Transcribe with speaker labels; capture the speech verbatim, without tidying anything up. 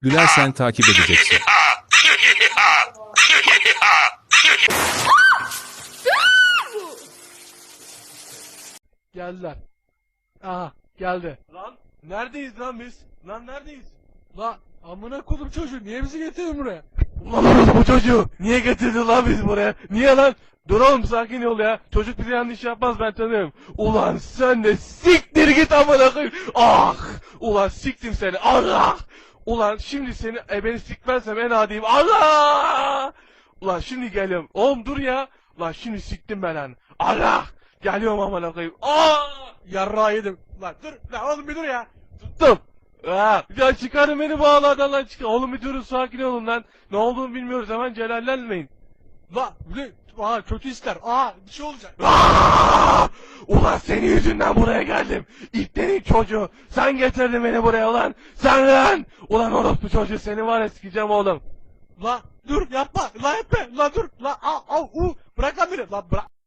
Speaker 1: Gülersen takip edeceksin.
Speaker 2: Geldiler. Aha geldi.
Speaker 3: Lan neredeyiz lan biz? Lan neredeyiz?
Speaker 2: La amına kodum çocuğu niye bizi getirdin buraya?
Speaker 3: Ulan orası bu çocuğu. Niye getirdin lan biz buraya? Niye lan? Dur oğlum sakin ol ya. Çocuk bize yanlış yapmaz ben tanıyorum. Ulan sen de siktir git amına koyayım. Ah! Ulan siktim seni. Allah! Ulan şimdi seni e, beni sikmezsem en adiyim. Allah! Ulan şimdi geliyorum. Oğlum dur ya. Ulan şimdi siktim ben lan. Allah! Geliyorum amına koyayım. Ah!
Speaker 2: Yarrağı yedim. Lan dur lan oğlum bir dur ya.
Speaker 3: Tuttum. Ha, ya çıkarın beni bu ağlardan lan çıkar. Oğlum bir durun sakin olun lan. Ne olduğunu bilmiyoruz hemen celallenmeyin.
Speaker 2: La bir aa kötü ister. Aa bir şey olacak.
Speaker 3: Aa! Ulan senin yüzünden buraya geldim. İplerin çocuğu. Sen getirdin beni buraya ulan. Sen lan. Ulan orospu çocuğu seni var ya sikeceğim oğlum.
Speaker 2: La dur yapma. La yapma. La dur. La al al u. Bırak lan beni. La bırak.